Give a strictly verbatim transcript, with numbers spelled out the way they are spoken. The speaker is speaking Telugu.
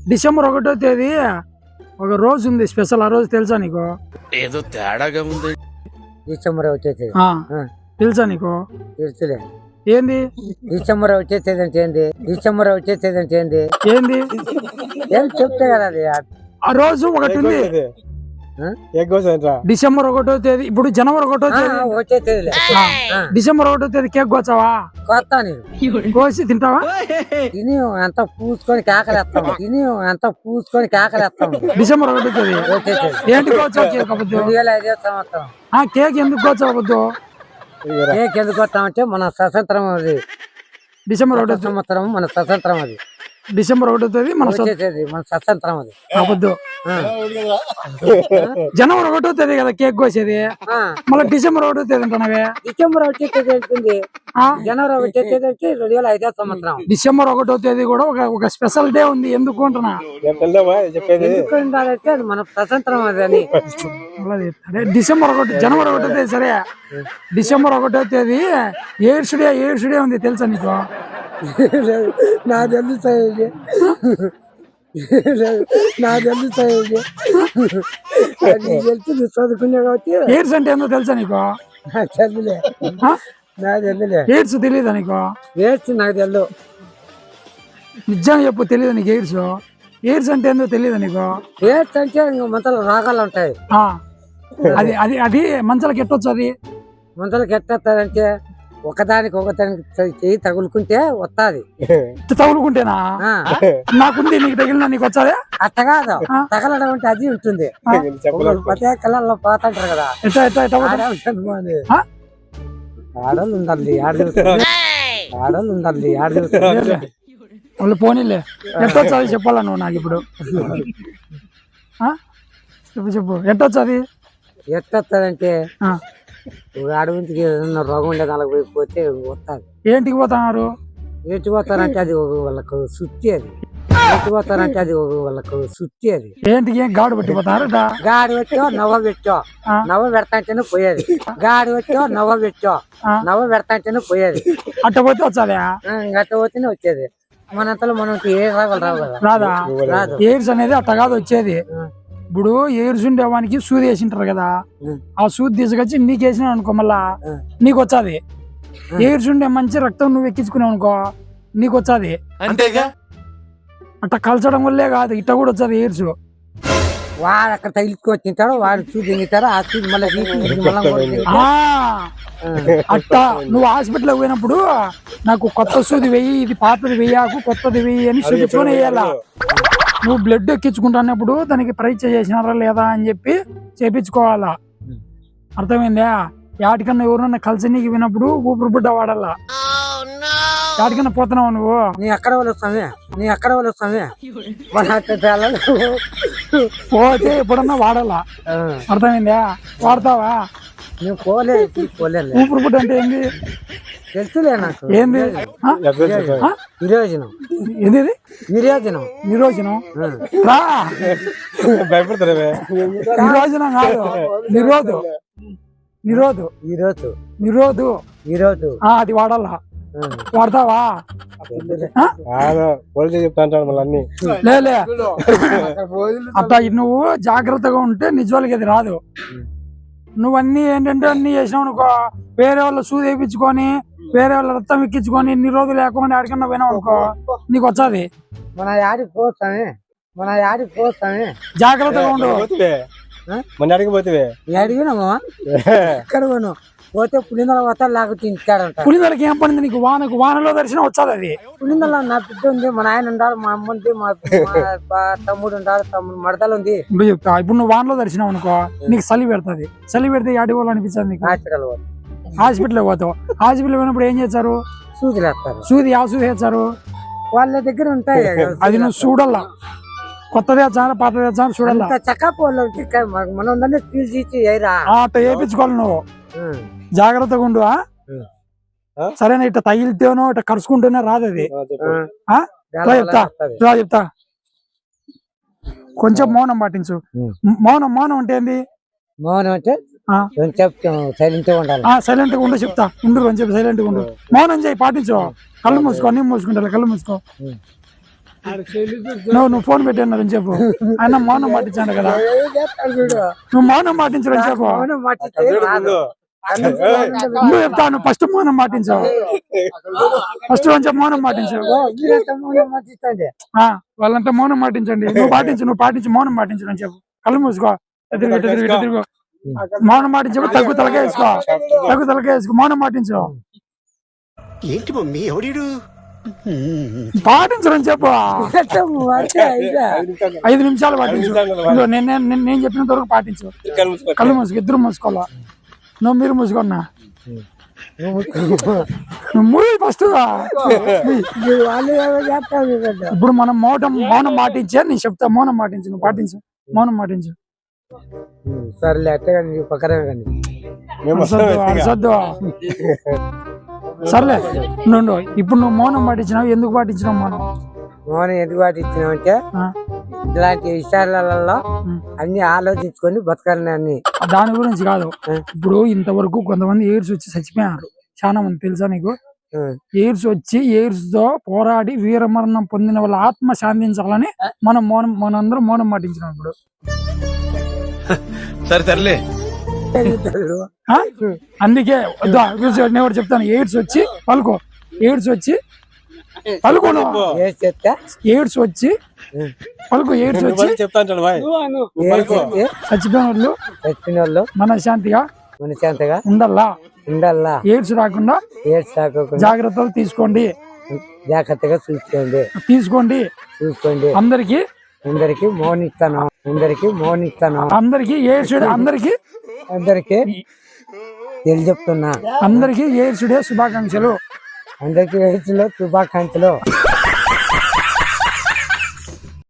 డిసెంబర్ ఒకటో తేదీ ఒక రోజు ఉంది స్పెషల్. ఆ రోజు తెలుసా నీకు? ఏదో తేడాగా ఉంది. డిసెంబర్ ఒకటో తేదీ తెలుసా నీకు? తెలుసులే. ఏంది డిసెంబర్ ఒకటో తేదీ అంటే ఏంది? డిసెంబర్ ఒకటో తేదీ అంటే ఏంది? ఏంది ఏం చెప్తే కదా అది. ఆ రోజు ఒకటి ఉంది డిసెంబర్ ఒకటో తేదీ. ఇప్పుడు జనవరి ఒకటో తేదీ ఒకటో తేదీ డిసెంబర్ ఒకటో తేదీ కేక్ కోసావా? కొత్త నేను కోసి తింటావా? తిని అంత పూసుకొని కేకలేస్తాము. తిని అంత పూసుకొని కేకలేస్తాము. డిసెంబర్ ఒకటో తేదీ ఒకటో తేదీ ఏంటి కోచావు కేక్ అబద్దు? రెండు వేల ఐదో సంవత్సరం. ఆ కేక్ ఎందుకు కోచావు అబద్దు? కేక్ ఎందుకు వస్తామంటే మన స్వతంత్రం అది. డిసెంబర్ ఒకటో సంవత్సరం మన స్వతంత్రం అది. డిసెంబర్ ఒకటో తేదీ మన ఒకటో తేదీ మన స్వతంత్రం అది. అబద్దు. జనవరి ఒకటో తేదీ కదా కేక్ కోసేది, మళ్ళీ డిసెంబర్ ఒకటో తేదీ అంటున్నావే? డిసెంబర్ ఒకటో తేదీ వెళ్తుంది. జనవరి ఒకటో తేదీ అంటే రెండు వేల ఐదో సంవత్సరం. డిసెంబర్ ఒకటో తేదీ కూడా ఒక ఒక స్పెషల్ డే ఉంది. ఎందుకు అంటున్నా? ఎందుకు ఉండాలంటే అది మన స్వతంత్రం అది అని. డిసెంబర్ ఒకటి జనవరి ఒకటో తేదీ సరే, డిసెంబర్ ఒకటో తేదీ ఎయిడ్స్ డే ఎయిడ్స్ డే ఉంది తెలుసా నీకు? నా తెలుసు నా తెలుసు చదువుకున్నా కాబట్టి. ఎయిడ్స్ అంటే ఏందో తెలుసా నీకు? చదువులే నా తెలులే. ఎయిడ్స్ తెలియదా నీకు? ఎయిడ్స్ నాకు తెలుసు. నిజంగా చెప్పు, తెలియదు నీకు ఎయిడ్స్? ఎయిడ్స్ అంటే ఏందో తెలియదు నీకు? ఎయిడ్స్ అంటే ఇంకా మంతల రాగాలు ఉంటాయి. అది అది అది మంచాలకి ఎట్టొచ్చు? అది మంతలకి ఎట్టేస్తారంటే ఒకదానికి ఒకదానికి చెయ్యి తగులుకుంటే వస్తాది. తగులుకుంటేనా? నాకుంది, నీకు తగిలినా నీకు వచ్చాదే? అట్ట కాదు, తగలడం అంటే అది ఉంటుంది. పదే కళ్ళల్లో పోతుంటారు కదా. ఎట్లా ఎట్లా ఎట్లా ఆడలు ఉండాలి ఆడలు ఉండాలి ఆడలు వాళ్ళు పోనీలే. ఎట్టొచ్చు అది చెప్పాలా నువ్వు నాకు ఇప్పుడు? చెప్పు చెప్పు ఎట్టొచ్చు అది? ఎట్టొస్తుందంటే అడవికి ఏదన్నా రోగం ఉండే దానికి పోయి పోతే వస్తుంది. ఏంటికి పోతున్నారు? ఏంటి పోతారంటే అది వాళ్ళకు సుత్తి. అది ఏంటి పోతారంటే అది వాళ్ళకు సుత్తి. అది ఏంటికి ఏం గాడు పట్టిపోతారు? గాడి పెట్టో నవ్వ పెట్టో నవ్వ పెడతాంటేనే పోయేది. గాడి పెట్టో నవ్వ పెట్టో నవ్వ పెడతాంటేనే పోయేది. అట్ట పోతే వచ్చాదా? అట్ట పోతేనే వచ్చేది. మనంతలో మనకి ఏ రావాలి రావు కదా. రాదా? రాదు. ఎయిడ్స్ అనేది అట్ట కాదు వచ్చేది. ఇప్పుడు ఎయిడ్స్ ఉండేవానికి సూది వేసింటారు కదా, ఆ సూది తీసుకొచ్చి నీకు వేసినా అనుకో మళ్ళా నీకు వచ్చాది. ఎయిడ్స్ ఉండే మంచి రక్తం నువ్వు ఎక్కించుకున్నావు అనుకో నీకు వచ్చాది. అంతేగా? అట్ట కలచడం వల్లే కాదు, ఇట్ట కూడా వచ్చాది ఎయిడ్స్. వాడు అక్కడ తగిలించుకొని తింటాడు, వాడు సూది తింటారు. ఆ సూది మళ్ళీ అట్ట నువ్వు హాస్పిటల్కి పోయినప్పుడు నాకు కొత్త సూది వెయ్యి, ఇది పాతది వెయ్యాకు కొత్తది వెయ్యి అని చూపించుకొని వేయాలా. నువ్వు బ్లడ్ ఎక్కించుకుంటున్నప్పుడు దానికి పరీక్ష చేసినారా లేదా అని చెప్పి చేపించుకోవాలా. అర్థమైందా? యాటికన్నా ఎవరన్నా కలిసి నీకు వినప్పుడు ఊపిరి బుడ్డ వాడాలా. యాటికన్నా పోతున్నావు నువ్వు? నీ ఎక్కడ వాళ్ళు వస్తామే నీ ఎక్కడ వాళ్ళు వస్తామే పోతే ఎప్పుడన్నా వాడాలా. అర్థమైందా? వాడతావా? నువ్వు పోలే పోలే. ఊపిరి బుడ్డ అంటే ఏంది తెలుసులే నాకు. ఏంది? నిరోజనం. ఏంది? నిరోజనం. నిరోజనం రా. నిరోజనం కాదు, నిరోధు నిరోధు ఈరోజు నిరోధు ఈరోజు అది వాడాలా. వాడతావా? లేలే అట్లా నువ్వు జాగ్రత్తగా ఉంటే నిజాలకి అది రాదు. నువ్వన్నీ ఏంటంటే అన్ని చేసినావు అనుకో, వేరే వాళ్ళ సూది వేయించుకొని వేరే వాళ్ళ రక్తం ఎక్కించుకొని ఇన్ని రోజులు లేకుండా ఎక్కడికన్నా పోయినావు అనుకో నీకు వచ్చాది. మన యాడికి పోతామే మన యాడికి పోతామే జాగ్రత్తగా ఉండు. మన అడిగి పోతే అడిగినామా ఎక్కడ పోను పోతే పులిందల పోతా లేకపోతే ఇంటికాడంట. పులిందలకి ఏం పడింది నీకు? వానకు వానలో దర్శనం వచ్చాది. అది పులిందల నా బిడ్డ ఉంది, మా నాయన ఉండాలి, మా అమ్మ ఉంది, మా తమ్ముడు ఉండాలి, తమ్ముడు మడతలు ఉంది. ఇప్పుడు చెప్తా, ఇప్పుడు నువ్వు వానలో దర్శనం అనుకో నీకు చలి పెడుతుంది. చలి పెడితే యాడి పోవాలి అనిపించదు నీకు? హాస్పిటల్ హాస్పిటల్ పోతావు. హాస్పిటల్ పోయినప్పుడు ఏం చేస్తారు? సూది వేస్తారు. సూది ಯಾವ సూది వేస్తారు? వాళ్ళ దగ్గర ఉంటాయి. అది నువ్వు చూడాలా, కొత్తది వేస్తాను పాతది వేస్తాను చూడాలా. చక్కపోళ్ళు మనం తీసి అట్ట వేయించుకోవాలి నువ్వు. జాగ్రత్తగా ఉండు. సరేనా? ఇట్లా తగిలితేనో ఇట్లా కరుచుకుంటేనే రాదు అది. చెప్తా చెప్తా కొంచెం మౌనం పాటించు. మౌనం మౌనం అంటే ఏంది? మౌనం అంటే సైలెంట్ గా ఉండాలి. సైలెంట్ గా ఉండు చెప్తా. ఉండు అని చెప్పి సైలెంట్ గా ఉండు. మౌనం చేయి, పాటించు. కళ్ళు మూసుకో, అన్ని మూసుకుంటా. కళ్ళు మూసుకో. నువ్వు నువ్వు ఫోన్ పెట్టాను చెప్పు ఆయన మౌనం పాటించాడు కదా నువ్వు మౌనం పాటించడం చెప్పు అవును, మర్చిపోయి రాదు. నువ్వు చెప్తాను ఫస్ట్ మౌనం పాటించావు ఫస్ట్ కొంచెం మౌనం పాటించావు ఓ, మీరంతా మౌనం మర్చిపోండి. ఆ, వాళ్ళంతా మౌనం పాటించండి నువ్వు పాటించు నువ్వు పాటించి మౌనం పాటించడం చెప్పు కళ్ళు మూసుకో ఎదురు ఇటు తిరుగు, ఇటు తిరుగు. మౌనం పాటించు తగ్గు తలకే వేసుకో తగ్గు తలకే వేసుకో మౌనం పాటించు ఏంటి మమ్మీ ఎవడీడు పాటించడం చెప్పు అంతే, ఇదే. ఐదు నిమిషాలు పాటించు ఇదిగో నేను నేను- నేను- నేను చెప్పినంత వరకు పాటించు కళ్ళు మూసుకో ఇద్దరు మూసుకోవాలా నువ్వు మీరు మూసుకున్నా నువ్వు మూవీ ఫస్ట్ మీరు వాళ్ళు ఏమో చేస్తారు వీళ్ళు. ఇప్పుడు మనం మౌనం మౌనం పాటించే నేను చెప్తా మౌనం పాటించు నువ్వు పాటించు మౌనం పాటించు ఉమ్, సర్లే అట్టే కానీ నీకు పక్కనే కానీ అరసద్దు అరసద్దు సర్లే నుండు ఇప్పుడు నువ్వు మౌనం పాటించినావు ఎందుకు పాటించినావు మౌనం మౌనం ఎందుకు పాటించినామంటే ఆ, ఇలాంటి విషయాలలో ఉమ్. అన్ని ఆలోచించుకొని బతకాలని అన్ని దాని గురించి కాదు ఇప్పుడు ఇంతవరకు కొంతమంది ఎయిడ్స్ వచ్చి చచ్చిపోయారు చాలా మంది తెలుసా నీకు ఉమ్. ఎయిడ్స్ వచ్చి ఎయిడ్స్ తో పోరాడి వీరమరణం పొందిన వాళ్ళ ఆత్మ శాంతించాలని మనం మౌనం మనందరం మౌనం పాటించినాం ఇప్పుడు సరే సర్లే ఆ? అందుకే వద్దా, నేను ఒకటి చెప్తాను ఎయిడ్స్ వచ్చి పలుకో ఎయిడ్స్ వచ్చి పలుకోను ఏం చెప్తే ఎయిడ్స్ వచ్చి పలుకు ఎయిడ్స్ వచ్చి చెప్తాంటాడు బాయ్ ఏం చెప్తే చచ్చిపోయిన వాళ్ళు చచ్చిన వాళ్ళు మనశ్శాంతిగా మనశాంతగా ఉండల్లా ఉండాలా, ఎయిడ్స్ రాకుండా ఏడ్స్ తాకోకుండా జాగ్రత్తలు తీసుకోండి జాగ్రత్తగా చూసుకోండి తీసుకోండి చూసుకోండి అందరికి అందరికి మౌనిస్తాను అందరికి మౌనిస్తాను అందరికి ఎయిడ్స్ డే అందరికి అందరికి తెలియజెప్తున్నా అందరికి ఎయిడ్స్ డే శుభాకాంక్షలు అందరికి వయసులో శుభాకాంక్షలు